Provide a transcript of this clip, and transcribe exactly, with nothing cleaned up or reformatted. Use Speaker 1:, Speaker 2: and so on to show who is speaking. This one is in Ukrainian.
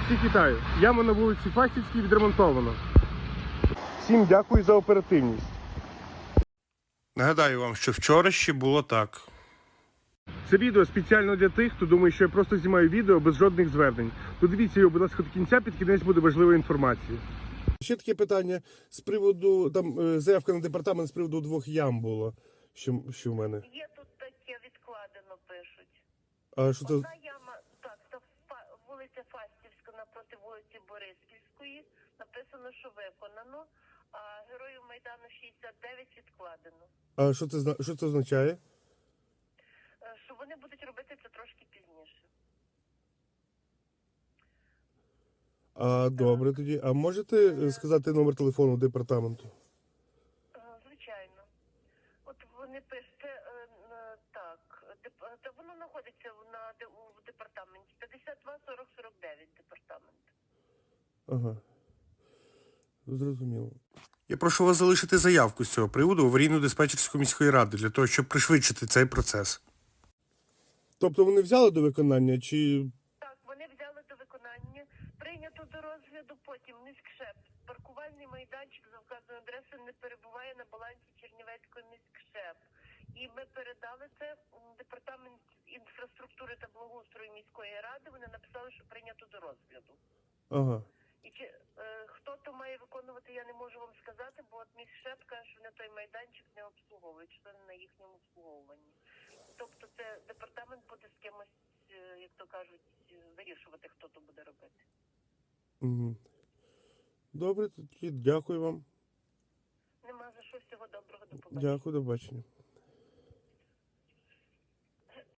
Speaker 1: Всіх вітаю. Яма на вулиці Фастівській відремонтовано. Всім дякую за оперативність. Нагадаю вам, що вчора ще було так. Це відео спеціально для тих, хто думає, що я просто знімаю відео без жодних звернень. Подивіться його, будь ласка, до кінця, під кінець буде важлива інформація. Ще таке питання з приводу, там заявка на департамент з приводу двох ям було, що, що в мене.
Speaker 2: Є тут таке відкладено, пишуть.
Speaker 1: А що це?
Speaker 2: Одна яма, так, це вулиця Фастівська напроти вулиці Бориспільської, написано, що виконано, а Героїв Майдану шістдесят дев'ять відкладено.
Speaker 1: А що це, що це означає?
Speaker 2: Що вони будуть робити це трошки пізніше.
Speaker 1: А, добре тоді. А можете сказати номер телефону департаменту?
Speaker 2: Звичайно. От вони пишуть, так, та воно знаходиться на, у департаменті. п'ятдесят два сорок сорок дев'ять департамент.
Speaker 1: Ага. Зрозуміло. Я прошу вас залишити заявку з цього приводу в аварійно-диспетчерську міської ради, для того, щоб пришвидшити цей процес. Тобто вони взяли до виконання, чи...
Speaker 2: Так, вони взяли до виконання, прийнято до розгляду, потім міськшеп. Паркувальний майданчик за вказаною адресою не перебуває на балансі Чернівецького міськшеп. І ми передали це в департамент інфраструктури та благоустрою міської ради, вони написали, що прийнято до розгляду.
Speaker 1: Ага.
Speaker 2: І чи, е, хто то має виконувати, я не можу вам сказати, бо от міськшеп каже, що вони той майданчик не обслуговують, що не на їхньому обслуговуванні. Тобто це департамент буде з кимось, як то кажуть, вирішувати, хто то буде робити.
Speaker 1: Угу. Добре, тоді дякую вам.
Speaker 2: Нема за що, всього доброго, до побачення.
Speaker 1: Дякую, до побачення.